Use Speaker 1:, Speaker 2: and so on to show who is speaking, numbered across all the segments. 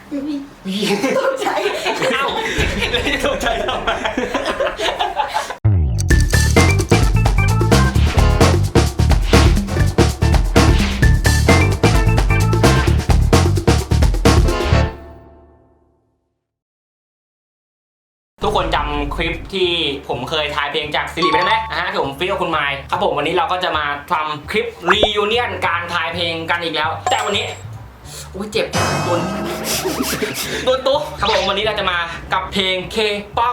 Speaker 1: ตกใจ
Speaker 2: เอ้าแล้วจะตกใจทำไมทุกคนจำคลิปที่ผมเคยทายเพลงจากซิริไปได้ไหมที่ผมฟิตกับคุณไมค์ครับผมวันนี้เราก็จะมาทำคลิปรียูเนียนการทายเพลงกันอีกแล้ว แต่วันนี้อุ้ยเจ็บโดนตุ๊ครับผมวันนี้เราจะมากับเพลง K-pop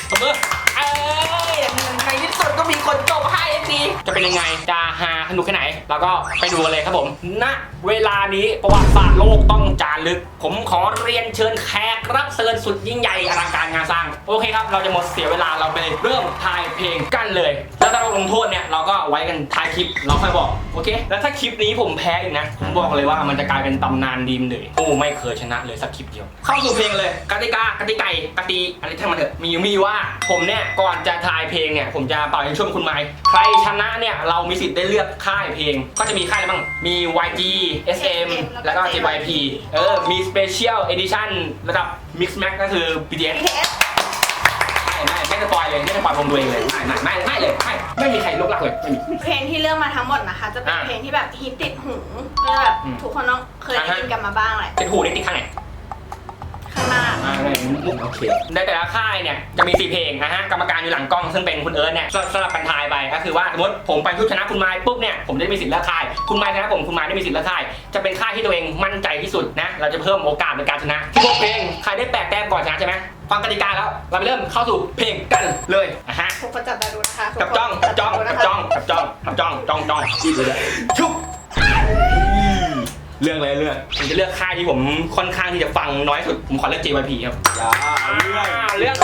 Speaker 2: ในที่สุดก็มีคนจบให้ดีจะเป็นยังไงจะฮาสนุกแค่ไหนเราก็ไปดูกันเลยครับผมณเวลานี้ประวัติศาสตร์โลกต้องจารึกผมขอเรียนเชิญแขกรับเชิญสุดยิ่งใหญ่อลังการงานสร้างโอเคครับเราจะหมดเสียเวลาเราไปเริ่มทายเพลงกันเลยแล้วถ้าเราลงโทษเนี่ยเราก็ไว้กันท้ายคลิปเราค่อยบอกโอเคแล้วถ้าคลิปนี้ผมแพ้อีกนะผมบอกเลยว่ามันจะกลายเป็นตำนานดีมเลยโอ้ไม่เคยชนะเลยสักคลิปเดียวเข้าสู่เพลงเลยกติกอะไรทั้งมันเถอะมีว่าผมเนี่ยก่อนจะทายเพลงเนี่ยผมจะเป่ายิงช่วยคุณไมค์ใครชนะเนี่ยเรามีสิทธิ์ได้เลือกค่ายเพลงก็จะมีค่ายอะไรบ้างมี YG SM แล้วก็ JYP มี Special Edition ระดับ Mix Max ก็คือ BTS ไม่สปอยเลยไม่สปอยผมตัวเองเลยไม่เลยไม่มีใครลบลักเลยไม่มี
Speaker 1: เพลงที่เลือกมาทั้งหมดนะคะจะเป็นเพลงที่แบบฮิตติดหูก็แบบทุกคนต้องเคยได้ยินกันมาบ้างแหละ
Speaker 2: ติดหูติดข้างไหน
Speaker 1: ข้างหน้า
Speaker 2: โอเคในแต่ละค่ายเนี่ยจะมี4เพลงกรรมการอยู่หลังกล้องซึ่งเป็นคุณเอิร์ธเนี่ยสลับกันทายไปก็คือว่าสมมติผมไปชนะคุณไมค์ปุ๊บเนี่ยผมได้มีสิทธิ์เลือกค่ายคุณไมค์ชนะผมคุณไมค์ได้มีสิทธิ์เลือกค่ายจะเป็นค่ายที่ตัวเองมั่นใจที่สุดนะเราจะเพิ่มโอกาสในการชนะที่พวกเพลงใครได้8 แต้มก่อนชนะใช่ไหมฟังกติกาแล้วเราไปเริ่มเข้าสู่เพลงกันเลย
Speaker 1: ทุกคนจับตาดูนะคะ
Speaker 2: กับจ้องชุบเรื่องอะไรเรื่องผมจะเลือกค่ายที่ผมค่อนข้างที่จะฟังน้อยสุดผมขอเลือก JYP ครับเรื่อง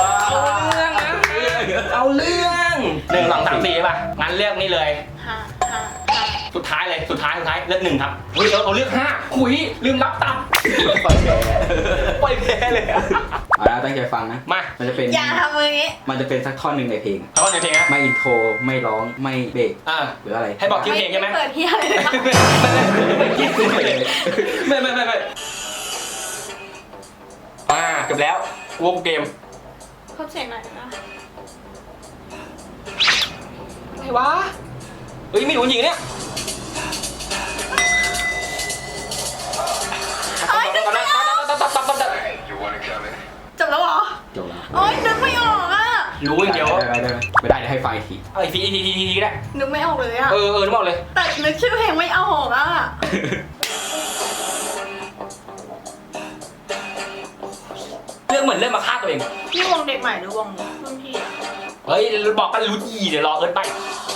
Speaker 2: เอาเรื่อง1 2 3 4ป่ะงั้นเลือกนี่เลยสุดท้ายเลือก1ครับเอาเลือก5คุยลืมรับตับปล่อยแพ้เลย
Speaker 3: แล้วตั้งใจฟังนะมันจะเป็น
Speaker 1: อย่าทำมืออย่างนี้
Speaker 3: มันจะเป็นสักท่อนหนึ่งในเพลง
Speaker 2: ท่อนในเพลงนะ
Speaker 3: ไม่อินโทรไม่ร้องไม่เบรกหรืออะไร
Speaker 2: ให้บอกชื่อเพลงใช่ไหม
Speaker 1: เปิดที่อะไร
Speaker 2: ไม่จบแล้ววงเกม
Speaker 1: เพิ่มเสียงหน่อยนะ
Speaker 2: อะไรวะไม่รู้จริงเนี่ย
Speaker 1: จบแล้วเหรอ
Speaker 3: จบแล้ว
Speaker 1: นึกไม่ออกอ่ะ
Speaker 2: รู้อย่างเดียว
Speaker 3: ไม่ได้ให้ไฟที
Speaker 2: ทีได้
Speaker 1: นึกไม่ออกเลยอ่ะ
Speaker 2: นึกออกเลย
Speaker 1: แต่นึกชื่อเพลงไม่ออกอ่ะ
Speaker 2: เรื่องเหมือนเรื่องมาฆ่าตัวเอง
Speaker 1: นี่วงเด็กใหม่หรือวงรุ่นพี่
Speaker 2: บอกกันรู้ดีเดี๋ยวรอเอิร์ธไป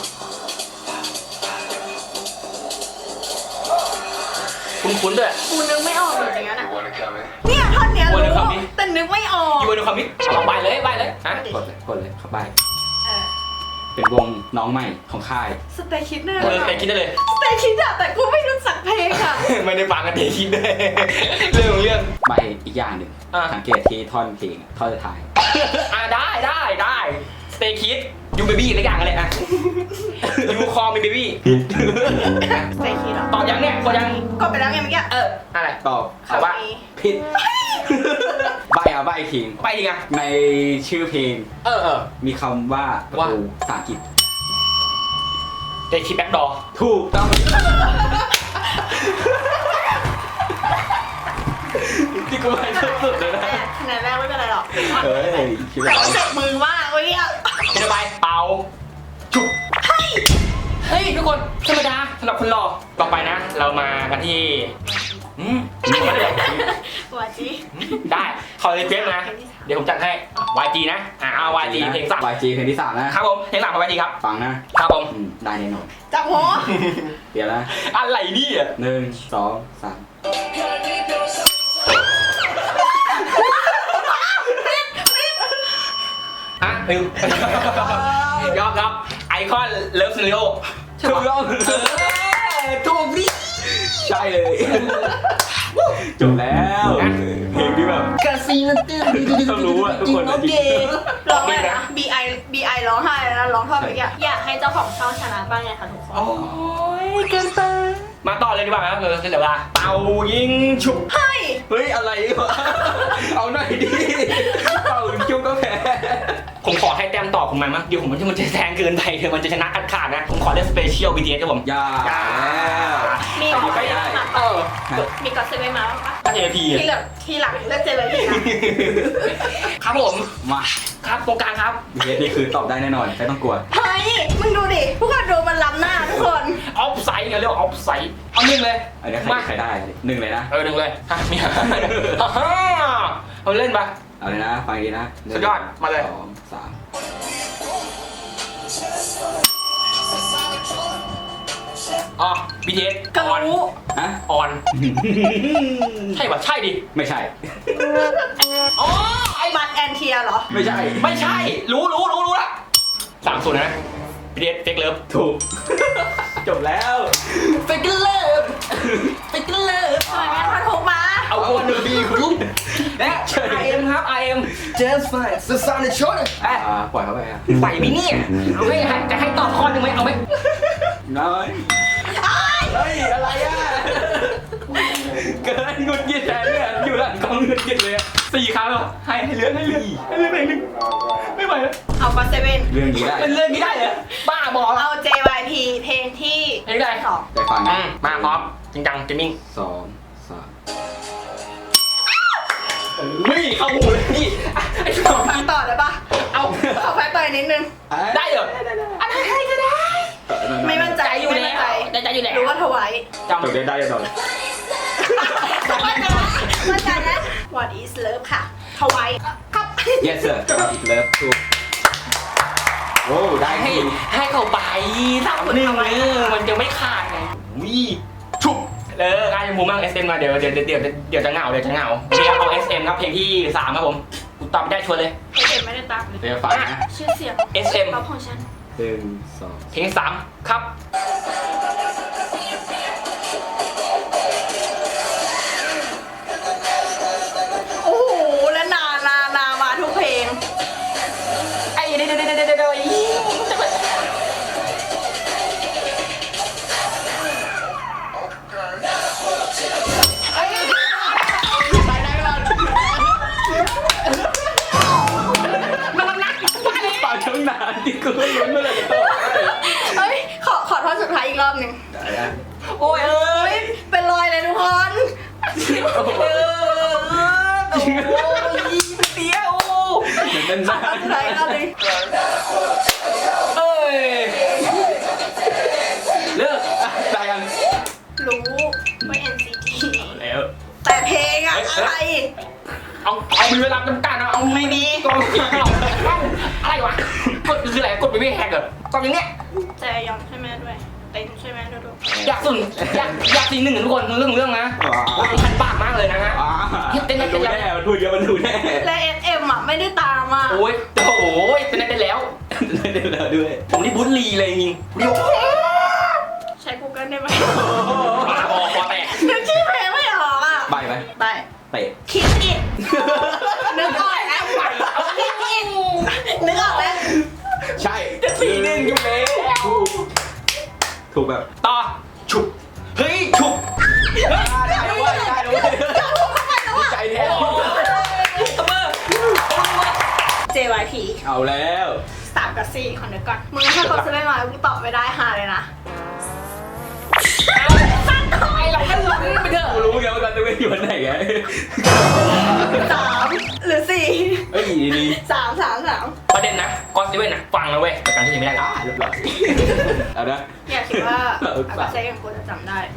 Speaker 2: คุ้นด้วย
Speaker 1: กูนึกไม่ออกจริงๆนะเนี่ยท่อนเนี้ยรู้แต่นึกไม่ออก
Speaker 2: อยู่ในความมิดลองไปเลยกดเลย
Speaker 3: เข้าไปเป็นวงน้องใหม่ของค่าย
Speaker 1: สเตคิดเนี่ย
Speaker 2: สเตคิดได้เลย
Speaker 1: สเตคิดอะแต่กูไม่รู้จักเพลงอะ
Speaker 2: ไม่ได้ฟังกันสเตคิดเลยเรื่อง
Speaker 3: ใบอีกอย่างหนึ่งสังเกตที่ท่อนเพลงท่อนสุดท้าย
Speaker 2: ได้สเตคิดยูเบบี้อะไรอย่างอะไรยูคอมีเบบี้
Speaker 1: สเตคิด
Speaker 2: ตอบยังเนี่ยกดยัง
Speaker 1: กดไปแล้วไงเมื่อกี้
Speaker 2: อะไร
Speaker 3: ตอบ
Speaker 2: แต่ว่า
Speaker 3: ผิดใบทิ้งในชื่อเพลงมีคำว่าประตูภาษาอังกฤษ
Speaker 2: เดคิดแบ็คดอร์
Speaker 3: ถูกต้อง
Speaker 2: ที่กูไม่สุดเลยนะ
Speaker 1: คะแนนแรกไม่เป็นไรหรอก
Speaker 3: คิดว่า
Speaker 1: เจ็บมือมากเว้ย
Speaker 2: คิดไปเป่าจุบเฮ้ยทุกคนธรรมดาสำหรับคนหล่อต่อไปนะเรามากันที่
Speaker 1: YG
Speaker 2: ได้ขอรีเควสนะเดี๋ยวผมจัดให้ YG นะเอา YG เพลง3
Speaker 3: YG เพลงที่3นะครับ
Speaker 2: ผมเพลง3ของ YG ครับ
Speaker 3: ฟังนะครับ
Speaker 2: ผม
Speaker 3: ได้แน่นอน
Speaker 1: จับหัว
Speaker 3: เดี๋ยวนะ
Speaker 2: อะไรนี่อ่ะ
Speaker 3: 1 2 3
Speaker 2: ยอมไอคอนเลิฟซีรีโอ
Speaker 3: ถูกต้อง
Speaker 2: ถูกดิ
Speaker 3: ใช่เลยจบแล้วเพลงที่แบบ
Speaker 2: กาซีนตื้น
Speaker 3: ต้องรู้อ่ะทุกคน
Speaker 1: โอเคร้องอะไรนะ BI ร้องไห้นะร้องท่อนเมื่อกี้อยากให้เจ้าของช่องชนะบ้างไงคะทุกคน
Speaker 2: โอ้ยเกินไปมาต่อเลยดีกว่าครับเดี๋ยวเวลาเป่ายิงฉุบ
Speaker 1: เฮ้ย
Speaker 3: เฮ้ยอะไรวะเอาหน่อยดิเป่าคิวก็แพ้
Speaker 2: ผมขอให้แต้มต่อผมหน่อยมั้งเดี๋ยวผมมันจะแซงเกินไปเดี๋ยวมันจะชนะขาดนะผมขอเล่นสเปเชียล BTS ครับผม
Speaker 3: อย่าแล้ว
Speaker 1: มีก็ไม่ได้
Speaker 2: เออ
Speaker 1: มีก็เซเว่นมาปะ
Speaker 2: ก็ JP
Speaker 1: ที่เหลือที่หลังเลือกเจเลยพี่นะครับ
Speaker 2: ผม
Speaker 3: มา
Speaker 2: ครับตรงกลางครับ
Speaker 3: BTS นี่คือตอบได้แน่นอนไม่ต้องกลัว
Speaker 1: เฮ้ยมึงดูดิพวกเราดูมันล้ำหน้าทุกคน
Speaker 2: ออฟไซด์กันเรียกออฟไซด์เอาหนึ่งเลย
Speaker 3: อันนี้ใครได้หนึ่งเลยนะ
Speaker 2: หนึ่งเลยฮะมีเอาเล่นปะ
Speaker 3: เอาเลยนะฟังดีนะ
Speaker 2: สุดยอดมาเลย
Speaker 3: 2 3
Speaker 2: อ๋อ BTS
Speaker 1: ก็
Speaker 2: ออน
Speaker 1: รู้
Speaker 3: ฮะ
Speaker 2: ออนใช่ปะใช่ดิ
Speaker 3: ไม่ใช่
Speaker 2: อ๋อ
Speaker 1: ไอ้บัตแอนเทียเหรอ
Speaker 3: ไม่ใช่
Speaker 2: ไม่ใช่รู้ละ30นะ BTS เฟกเลิฟ
Speaker 3: ถูก จบแล้ว
Speaker 2: เฟกเลิฟเฟกเลิฟ
Speaker 1: ทำไมแม่พันถูกมา
Speaker 2: เอาวันเดอร์บีคุณลุงและ IM ครับ IM just fine the sun is short
Speaker 3: ปล่อยเขาไปอ่ะ
Speaker 2: ใส่ไหมเนี่ยเอาไหมจะให้ตอบข้อหนึ่งไหมเอาไหม
Speaker 3: น้อยเฮ้ยอะไรอ่ะเกินหงุดหงิดแทนเนี่ยอยู่หลังกล้องหงุดหงิดเลยอ่ะ
Speaker 2: 4 ครั้งแล้วให้เหลือเพลงหนึ่งไม่ไหวแล้ว
Speaker 1: เอาก็เซเว่น
Speaker 3: เรื่องนี้ได้
Speaker 2: เป็นเรื่องนี้ได้เหรอบ้าบอแล้ว
Speaker 1: เอา JYP เพลงที่
Speaker 2: เพลงอะไร
Speaker 1: สอง
Speaker 3: ไปฟังนะ
Speaker 2: มาพร้อมจริงจังเกมมิ่ง
Speaker 3: 2 3
Speaker 2: เฮ้ยเข้าหูเลยนี่ไอ้สอง
Speaker 1: ฟังต่อได้ปะ
Speaker 2: เอา
Speaker 1: ขอแฟนต่อยนิดนึง
Speaker 2: ได้เหรออะไรก็ได้
Speaker 1: ไม่มั่นใจ
Speaker 2: ใจอยู่
Speaker 1: ไม่
Speaker 2: แล้
Speaker 1: มั่น
Speaker 2: ว
Speaker 1: ใจ
Speaker 2: ใจอยู่แล้ว
Speaker 1: รู้ว่าถวาย
Speaker 2: จำ
Speaker 3: จบได้ต่อ
Speaker 1: มั่นใจนะมั่นใจนะ What is love ค่ะถวายครับ
Speaker 3: yes sir อีกเลิฟถูกโอ้ได้
Speaker 2: ให้
Speaker 3: ที
Speaker 2: ให้เขาไป3-1มันจะไม่ขาดไงวิชุบการจะมูมั่ง SM มาเดี๋ยวจะเหงาเดี๋ยวเอา SM ครับเพลงที่3ครับผมกูตอบได้ชัวร์เลย
Speaker 1: เอ็มไม่ได้ตามเลย
Speaker 3: เดี๋ยวฟังนะ
Speaker 1: ชื่อเสียง
Speaker 2: SM
Speaker 1: ป๊อปของฉัน
Speaker 3: 1 2
Speaker 2: เพลงที่3ครับ
Speaker 1: โอ้โหแล้วนามาทุกเพลง
Speaker 2: ไอ้เดี๋ยว
Speaker 3: ปากช่างนานที่กูไม่รู้เมื่อไหร่จะตอบ
Speaker 1: เฮ้ยขอท่อนสุดท้ายอีกรอบหนึ่ง
Speaker 3: ได้นะ
Speaker 2: โอ้ยเอ้ย
Speaker 1: เป็นรอยเลยทุกคน
Speaker 2: โอ้ยเตี้ยว
Speaker 3: เหมือน
Speaker 1: ข
Speaker 3: นาน
Speaker 1: อท่อนสุดท้ายอีกรอบหนึ่ง
Speaker 2: เอ้ยเลิก
Speaker 3: ได้ยัง
Speaker 1: รู้ว่า NCT
Speaker 2: แล้ว
Speaker 1: แต่เพลงอะอะไร
Speaker 2: เอามีเวลาจำกัดนะเอาไม่มีกองอะไรวะกดคืออะไรกดไปไม่แฮกเหรอกดอย่างเนี้ย
Speaker 1: ใจยอมใช่ไหมด้วยเต็มใช่ไหมดู
Speaker 2: อยากสีหนึ่งทุกคนเรื่องนะพันปากมากเลยนะฮะ
Speaker 3: มันดูแน่มันพูดเยอะมันดูแน่
Speaker 1: และ SM อะไม่ได้ตามอะ
Speaker 2: โอ้ยโอ้ยเป็นได้แล้ว
Speaker 3: ได้แล้วด้วย
Speaker 2: ผมนี่บุญลีเลยจริงเดี๋ยว
Speaker 1: ใช้ Google ได้ไหม
Speaker 2: คอแตก
Speaker 1: นึกชื่อเพลงไม่ออกอะ
Speaker 3: ใบไหม
Speaker 1: ไป
Speaker 3: เตะ
Speaker 1: คิดอิดนึกออกแล้วคิดอิดนึกออกแล้ว
Speaker 3: ใช่
Speaker 2: จะ4-1อยู่แล้ว
Speaker 3: ถูกแบบ
Speaker 2: ต่อฉุบเฮ้ยฉุบ
Speaker 3: ได้ด้วยได้ด้วยใจแท้
Speaker 2: ตบมือ
Speaker 1: JYP
Speaker 3: เอาแล้ว
Speaker 1: 3 กับ 4คนเดียวก่อนมึงถ้าเขาจะไม่มากูตอบไม่ได้หาเลยนะ
Speaker 2: ไอเราก็ลุ้นไปเถอะ
Speaker 3: กูรู้ไงว่าการจะไม่อยู่วันไหนไง
Speaker 1: 3 หรือ 4
Speaker 3: เฮ้ยดี
Speaker 1: 3
Speaker 2: ประเด็นนะก้อนซีเว่นนะฟังนะเว้ยแต่การที่ไม่ได้
Speaker 3: เรียบร้อยเอานะ
Speaker 1: อย่าคิดว่าอากาเซ่กับกูจะจำได้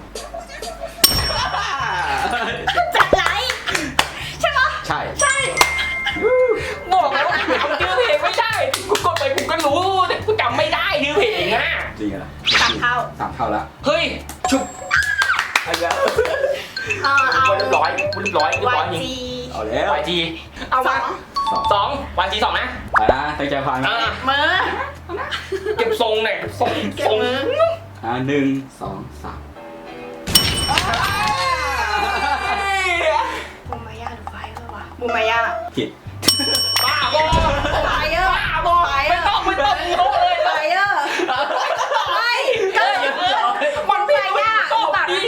Speaker 1: จัดไลค์ใช่ปะ
Speaker 3: ใช่
Speaker 1: ใช่
Speaker 2: บอกแล้วว่าจำชื่อเพลงไม่ได้กูกดไปกูก็รู้แต่กูจำไม่ได้ชื่อเพลงอ่ะ
Speaker 3: จริงเหรอ
Speaker 1: 3 เท่า
Speaker 3: 3 เท่าแล้ว
Speaker 2: เฮ้ยฉุบ
Speaker 3: เอาแล้ว
Speaker 1: เอา
Speaker 2: เรียบร้อยจริง
Speaker 1: YG
Speaker 3: เอาแล้ว
Speaker 2: YG เอามา
Speaker 3: 2
Speaker 2: 2 YG 2นะ
Speaker 3: เอานะตั้งใจฟังนะ
Speaker 1: มือ
Speaker 2: เก็บทรงหน่อยทรง
Speaker 1: เก็บมือ
Speaker 3: 1 2 3
Speaker 1: บูมายาหรือไฟเออร์วะบูมายา
Speaker 3: ผิด
Speaker 2: บ้าบอ
Speaker 1: ไฟเออร์
Speaker 2: บ้าบอไม่ต้องโอ้เลย
Speaker 1: ไฟเออร์ไม่ก็
Speaker 2: มันไม่ยากตอบดี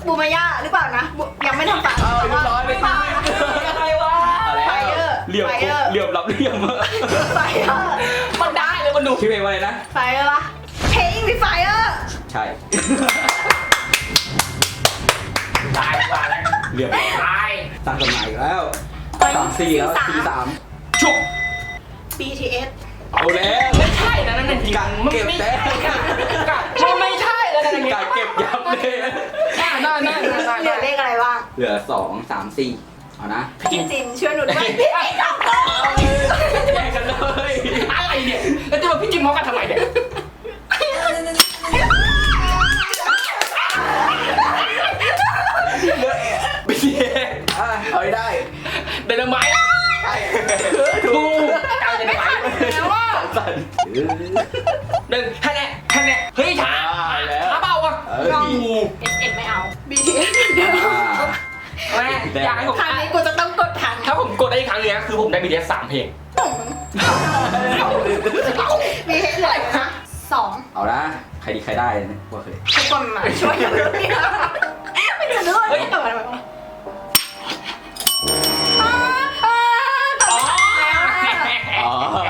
Speaker 1: บูมายาหรือเปล่านะยังไม่ทำปาก
Speaker 3: เอาเรียบร้อยไป
Speaker 1: เปล่านะ
Speaker 2: อะไรวะ
Speaker 1: ไฟเออร์
Speaker 3: เหลี่ยม
Speaker 1: ไฟเออร์
Speaker 3: เหลี่ยมรับเหลี่ยม
Speaker 1: ไฟเออร์
Speaker 2: มันได้เลยมันดู
Speaker 3: ชื่อเพลงว่าอะไรนะ
Speaker 1: ไฟเออร์ปะเพลงมีไฟเออร์
Speaker 3: ใช่
Speaker 2: ตายกว่าแล้ว
Speaker 3: เหลี่ยม
Speaker 2: ตาย
Speaker 3: ตั้งสมัยอีกแล้ว3-4แล้ว4-3
Speaker 2: ชุบ
Speaker 1: BTS
Speaker 3: เอาแล้ว
Speaker 2: ไม่ใช่นะนั่นจริง
Speaker 3: กัด
Speaker 2: มัน
Speaker 3: เก็บ
Speaker 2: ไม่
Speaker 3: แต้
Speaker 2: ใช่
Speaker 3: ม
Speaker 2: มันไม่ใช่แล้วนั่น
Speaker 3: กัดเก็บยับเลย
Speaker 2: นั่น
Speaker 1: เหลือเลขอะไรบ้าง
Speaker 3: เหลือ2-3-4เอานะ
Speaker 1: พี่จินช่วยหนูด้วยพี่ไอ้ดอกเตอร์
Speaker 3: แย่งกันเลย
Speaker 2: อะไรเนี่ยแล้วจะมาพี่จิมเขากันทำไมเนี่ย
Speaker 3: ไม่ใช่เอาให้ได้
Speaker 2: เดนไมต์
Speaker 3: ใช่
Speaker 2: ถูกเอาเดนไมต์
Speaker 1: แล้วว่า
Speaker 3: สั่น
Speaker 2: หนึ่งแค่นี้เฮ้ยช้าช้าเบาอ่ะ
Speaker 1: น้อง SM ไม่เอา BTS เดี๋ยว
Speaker 2: แม่อยากให้ผม
Speaker 1: ครั้งนี้กูจะต้องกดทัน
Speaker 2: ถ้าผมกดได้อีกครั้งนึงนะคือผมได้ BTS 3 เพลง
Speaker 1: BTS เหลืออยู่นะ2
Speaker 3: เอานะใครดีใครได้นะว่าเคย
Speaker 1: ทุกคนมาช่วยกันด้วยไม่จะด้วยไม่จะมาแบบว่า
Speaker 2: อ๋อ
Speaker 3: อ๋อ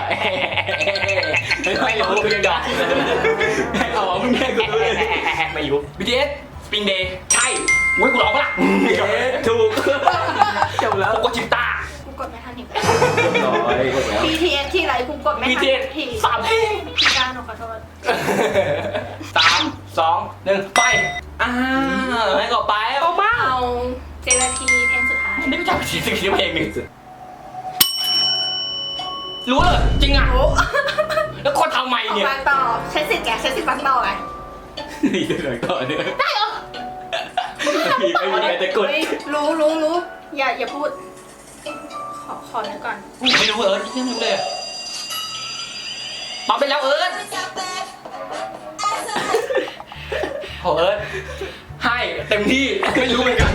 Speaker 2: ไม่รู้กูยังดอก
Speaker 3: อ๋อมึงแย่งกูเลย
Speaker 2: ไม่รู้ BTS Spring Day ใช่อุ้ยกูร้องปะล่ะ
Speaker 3: ถูกจบแล้ว
Speaker 2: ผมกดชิปต้า
Speaker 1: กูกดไม่ทันอีก
Speaker 3: เรียบร้อยหมดแล้ว
Speaker 1: BTS ที่ไรกูกดไม่ทัน
Speaker 2: BTS
Speaker 1: ที
Speaker 2: 3 เพลง
Speaker 1: พี่การหนูขอโทษ
Speaker 2: 3 2 1 ไปให้ก่อไปเอามา
Speaker 1: เอาเจลาทีเพลงสุดท้าย
Speaker 2: ไม่รู้จักสิ่งที่เพลงหนึ่งรู้เลยจริงอ่ะ
Speaker 1: โอ้
Speaker 2: แล้วคนทำไม
Speaker 1: ออก
Speaker 2: เนี่ย
Speaker 1: มาต่อใช้สิทธิ์แกใช้สิทธิ์ฟังต่อไง
Speaker 3: นี่เดี๋ยวก่อนเนี่ย
Speaker 1: ได้เหรอ
Speaker 3: ไม่มีใครจะกด
Speaker 1: เฮ้ยรู้อย่าพูด ขอนึกก่อน
Speaker 2: ไม่รู้ที่ไม่รู้เลยปั๊มไปแล้วโอ้ให้เต็มที่ไม่รู้เหมือนกัน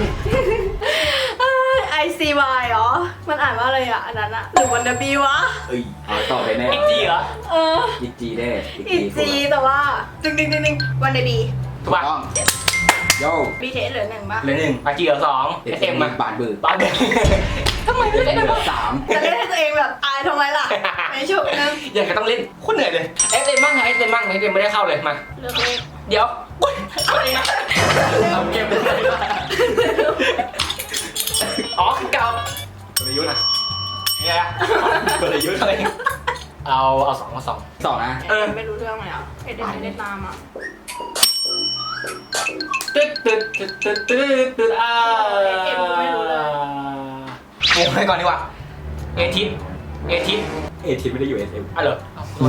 Speaker 1: ICY เหรอ มันอ่านว่าอะไรอ่ะอันนั้นอะหรือวันเดบีวะ
Speaker 3: เอ้ยเอาต่อไปแน่
Speaker 2: อีกทีเหรอ
Speaker 1: เออ
Speaker 3: อีกจีแน่
Speaker 1: อีจีแต่ว่าดึงวันเดบี
Speaker 2: ถูกป่ะ
Speaker 3: ต้องโย่
Speaker 1: BTS เหลือ1ป่ะ
Speaker 2: เหลือ1อาจีเหลือ2 SM มา
Speaker 3: บาดบือ
Speaker 2: บ้านเด็กทำไมไม่
Speaker 3: เห
Speaker 2: เล่น
Speaker 3: ลื
Speaker 2: เล
Speaker 3: อย 3
Speaker 1: จะเล่นให้ตัวเองแบบอายทำไมล่ะไม่ชุบนึง
Speaker 2: อย่างก็ต้องเล่นโคตรเหนื่อยเลย SM บ้างไง SM บ้างSM ไม่ได้เข้าเลยมา
Speaker 1: เลือกเลข
Speaker 2: เดี๋ยวอะไรนะ
Speaker 3: เอาเก็บไปเลย
Speaker 2: อ๋อคือเก่าก
Speaker 3: ลยุทธ์
Speaker 2: เนี่ย
Speaker 3: กลยุทธ์
Speaker 2: อะไรเอา2
Speaker 3: สองนะ
Speaker 1: ไม่รู้เรื่องเลยอ่ะเอ็ดไม่ได้ตามอ่ะ
Speaker 2: ตึ๊ดโอ้ให้ก่อนดีกว่าเอทิส
Speaker 3: เอทีไม่ได้อยู่ SM
Speaker 2: อ่ะเหรอ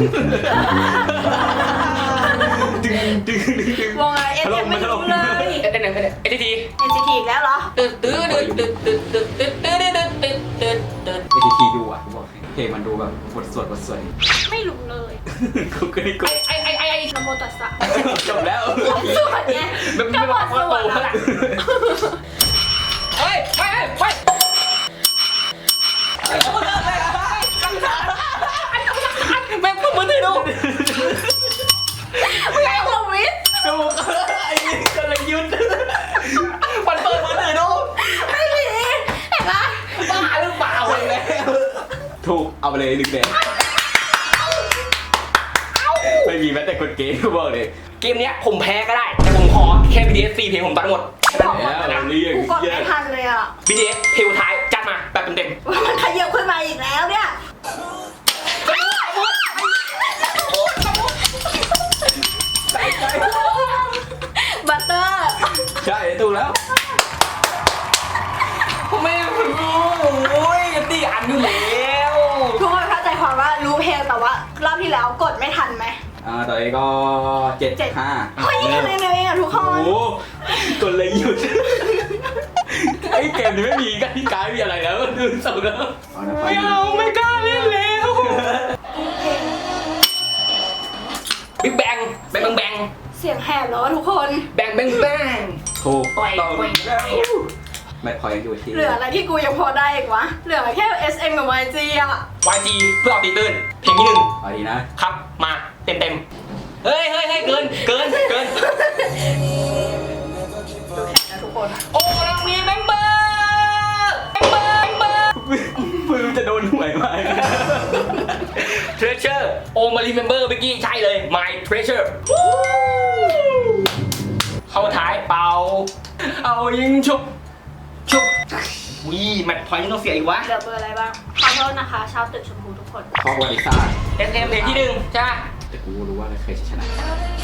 Speaker 1: วงอะไรเอ็ดยังไม่รู้เลย
Speaker 2: เอทีที
Speaker 1: NCT อีกแล้วเหรอ
Speaker 3: ATT ดูอ่ะบอกเพลงมันดูแบบบทสวด
Speaker 1: ไม่รู้เลย
Speaker 3: กูก็ได้กด
Speaker 1: นโมตัสสะ
Speaker 3: จบแล้ว
Speaker 1: สวดไง
Speaker 2: ไม่บอกว่าโตเท่าไหร่เฮ้ยไปแม่งพูดมือถือดู
Speaker 1: ไม่ให้ลงวิทย์
Speaker 3: ดูไอ้กลยุทธ์
Speaker 2: มันเปิดมือถือดู
Speaker 1: ไม่มีเห็นไหม
Speaker 2: บ้าหรือเปล่าเลย
Speaker 3: ถูกเอาไปเลย1 แดงไม่มีแม้แต่กดเกมก็บอกเลย
Speaker 2: เกมเนี้ยผมแพ้ก็ได้ แต่ผมขอแค่ BTS 4 เพลงผมตัดหมด
Speaker 1: บอกหมดนะกูกดไม่ทันเลยอ่ะ
Speaker 2: BTS เพลงท้ายจัดมาแบบเต็ม
Speaker 1: มันขยับขึ้นมาอีกแล้วเนี่ย บัตเตอร์
Speaker 3: ใช่ถูกแล้ว
Speaker 2: ๆผมไม่รู้โอ้ยตีอันอยู่แล้ว
Speaker 1: ทุกคนเข้าใจความว่ารู้เพลงแต่ว่ารอบที่แล้วกดไม่ทันไหม
Speaker 3: ตอนนี้ก็7-5
Speaker 1: เฮ้ยทำไมเร็วเองอ่ะทุกค
Speaker 3: โอ้
Speaker 1: น
Speaker 3: โหกลยุทธ์ไอ้เกมนี้ไม่มีกติกาไม่มีอะไรแล้วดูส่งแล้ว
Speaker 2: ไม่เอาไม่กล้าเล่นแล้วบิ๊กแบงแบงแบง
Speaker 1: เสียงแหบแล้วทุกคน
Speaker 2: แบงแบงแบง
Speaker 3: ถูก
Speaker 2: ปล่อย
Speaker 3: ต้อง
Speaker 2: ปล่อย
Speaker 3: ไม่พอยังอยู่ที่
Speaker 1: เหลืออะไรที่กูยังพอได้อีกวะ เหลือแค่ SM กับ YG อ่ะ
Speaker 2: YG เพื่อเอาตีตื้นเพลงที่
Speaker 3: เอาดีนะ
Speaker 2: 1ครับมาเต็มเฮ้ยเกิน
Speaker 1: ดูแข่งนะทุกคนนอะ
Speaker 2: โอ้เรามีเมมเบอร์
Speaker 3: มือจะโดนหวยไหม
Speaker 2: Treasure โอมารีเมมเบอร์เมื่อกี้ใช่เลย My Treasure เข้าท้ายเป่าเอายิงชุบวิแมตช์พอยต์ต้องเสียอีกวะ
Speaker 1: เหลือเบอร์อะไรบ้างขอโทษนะคะชาวตึกชมพูทุกคน
Speaker 3: ข้อประวัติศาสตร์
Speaker 2: SM เพลงที่หนึ่งใช่ไหม
Speaker 3: แต่กูรู้ว่าใครจะชนะ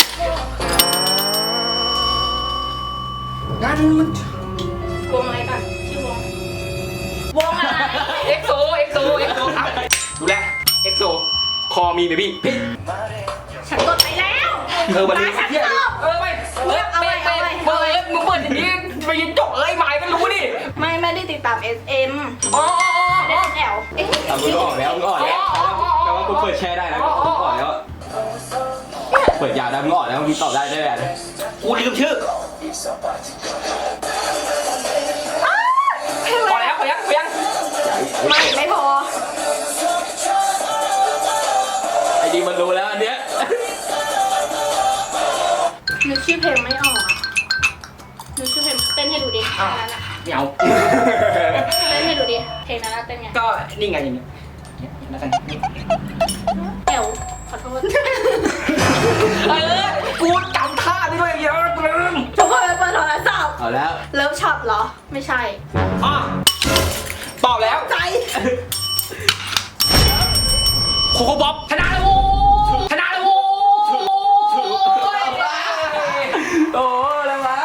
Speaker 2: งั้นมัน
Speaker 1: วงอะไรก่อนชื่อวงอะไร
Speaker 2: EXO ครับดูแล EXO คอมีเบบี้พี่
Speaker 1: ฉันกดไปแล้ว
Speaker 2: มัน
Speaker 1: ฉันตอบ
Speaker 2: ไปมึงเปิดอย่างนี้ไปยินจบหมายกันรู้ดิ
Speaker 1: ไม่ได้ติดตาม SM
Speaker 2: อ๋อ
Speaker 1: ไม่ได้แอลเอ๊ะ
Speaker 3: มึงก็ออกแล้วแต่ว่ากูเปิดแชร์ได้นะกูออกแล้วเปิดยาวได้มึงออกแล้วมึงตอบได้ได้แบบ
Speaker 2: กูลืมชื่อพอแล้วยัง
Speaker 1: ไม่พอ
Speaker 3: ไอ้ดีมันรู้แล้วอันเนี้ย
Speaker 1: นึกชื่อเพลงไม่ออกอะนึกชื่อเพลงเต้นให้ดูดิเพลงนั้นอะ
Speaker 2: เหนียว
Speaker 1: เต้นให้ดูดิเพลงนั้นอะเต้นไง
Speaker 2: ก็นี่ไงอย่างนี้แล้วกัน
Speaker 1: แอลขอโทษ
Speaker 2: กูจำท่าได้ด้วยเยอะลืม
Speaker 1: ทุกคนไปเปิดโทรศัพท์
Speaker 3: เอาแล้ว
Speaker 1: เลิฟช็อตเหรอ ไม่ใช่
Speaker 2: อ๋อตอบแล้ว
Speaker 1: ใจ
Speaker 2: โคโค่บ๊อบชนะแล้วโว้
Speaker 3: โอ้แล้ววะ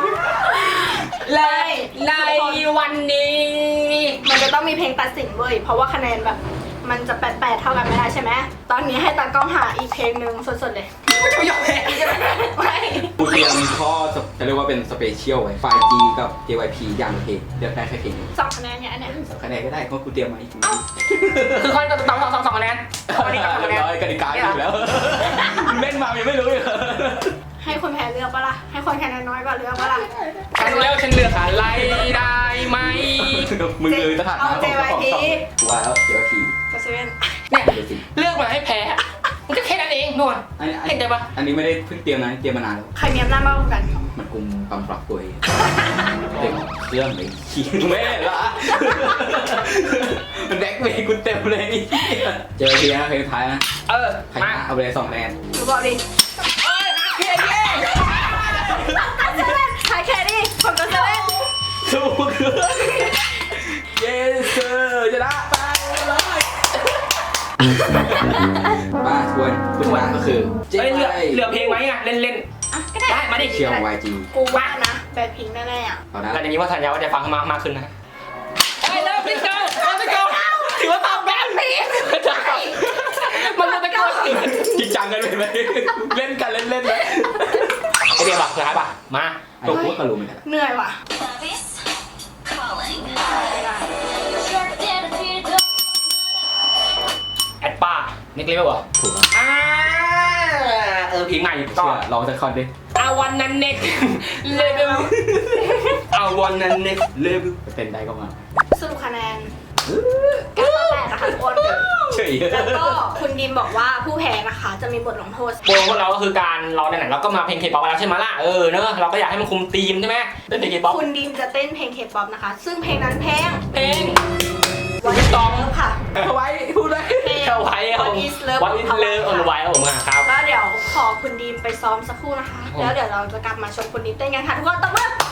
Speaker 2: และในวันนี้
Speaker 1: มันจะต้องมีเพลงตัดสินเว้ย เพราะว่าคะแนนแบบ มันจะ8เท่ากันไม่ได้ใช่ไหม ตอนนี้ให้ตากล้องหาอีกเพลงหนึ่งสดๆเลย
Speaker 2: ไม่จะไม่ยอมแพ้ใช่ไหม
Speaker 1: ไม่
Speaker 3: กูเตรียมข้อจะเรียกว่าเป็นสเปเชียลไว้ไฟล์ G กับ JYP อย่างละเพลงเลือกได้แค่เพลงนึง
Speaker 1: 2 คะแนนเนี่ยอันเนี้ย
Speaker 3: คะแนนก็ได้เพราะกูเตรียมมาอีก
Speaker 2: คือคนต้องสองคะแนนวันนี้2คะแนน
Speaker 3: ร้อยกติกาอีกแล้วเล่นมายังไม่รู้เลย
Speaker 1: ให้คนแพ้เลือกปะล่ะ ให้คนคะแนนน้อยกว่าเลือกปะล่ะ
Speaker 2: ฉันเลือกอะไรได้ไหม
Speaker 3: มึงเลยสถานะของเจ้าของช่องกูว่าแล้ว JYP
Speaker 1: ก็เซเว่น
Speaker 2: เนี่ยเลือกมาให้แพ้มันก็แค่นั้นเองนู่นเห็นใจปะ
Speaker 3: อันนี้ไม่ได้เพิ่งเตรียมนะเตรียมมานานแล้ว
Speaker 1: ใครมีอำนาจมากกว่ากัน
Speaker 3: มันกุมกำปรับตัวเองเต็มเครื่องเลยขี้แม่ละมันแบ็คเมย์กูเต็มเลยเจอทีนะเพลงท้ายนะใคร
Speaker 2: มา
Speaker 3: เอาไปเลย2 คะแนน
Speaker 1: ดูบอกดิใครแครี่ผมก็เซเว่น
Speaker 3: ถูกเยสชนะไปเลยมาทวนผู้ชนะก็คือ
Speaker 2: เหลือเพลงไหมอ่ะเล่น
Speaker 1: อ่ะก็ได้
Speaker 2: ได้มาดิ
Speaker 3: เชียร์ YG
Speaker 1: กูว่านะแบล็คพิงค์แน่ๆอ่ะ
Speaker 3: เอานะ
Speaker 2: หลังจากนี้ว่าสัญญาว่าจะฟังมากขึ้นนะไปเริ่มพี่เจ้าถือว่าตอบแบบนี้มันจะตะโกน
Speaker 3: จริงจังกันเลยไหมเล่นกันเล่นไหม
Speaker 2: ไอเดียบอกสุดท้ายป่ะมา
Speaker 3: ไอ้พวกก็รู้เหมือนกัน
Speaker 1: เหนื่อยว่ะ
Speaker 2: แอดป้าเน็กเลเวลเหรอ
Speaker 3: ถูกครับ
Speaker 2: เพลงใหม่ก็
Speaker 3: เชื่อลองสักคอนดิ
Speaker 2: อาวันนั้นเน็กเลเวลอาวันนั้นเน็กเลเวล
Speaker 3: เต้นได้ก็มา
Speaker 1: สรุปคะแนน9-8นะคะทุกคน
Speaker 3: เฉย
Speaker 1: แล้วก็คุณดิมบอกว่าผู้แพ้นะคะจะมีบทลงโทษ
Speaker 2: โปรพวกเราก็คือการเราไหนๆเราก็มาเพลงเคป๊อปแล้วใช่ไหมล่ะเนอะเราก็อยากให้มันคุมธีมใช่ไหมเล่นเพลงเคป๊อป
Speaker 1: คุณดิมจะเต้นเพลงเคป๊อปนะคะ ซึ่งเพลงนั้นเพลง
Speaker 2: วันตอง
Speaker 1: ค่ะ
Speaker 3: เอาไว้พูดเลย
Speaker 1: เพลง
Speaker 2: เข้าไว้ครับผม
Speaker 1: What is Love
Speaker 2: วันอินเลิฟออนไว้ครับผมครับ
Speaker 1: ก็เดี๋ยวขอคุณดิมไปซ้อมสักครู่นะคะ แล้วเดี๋ยวเราจะกลับมาชมคุณดิมเต้นกันค่ะทุกคนตบมือ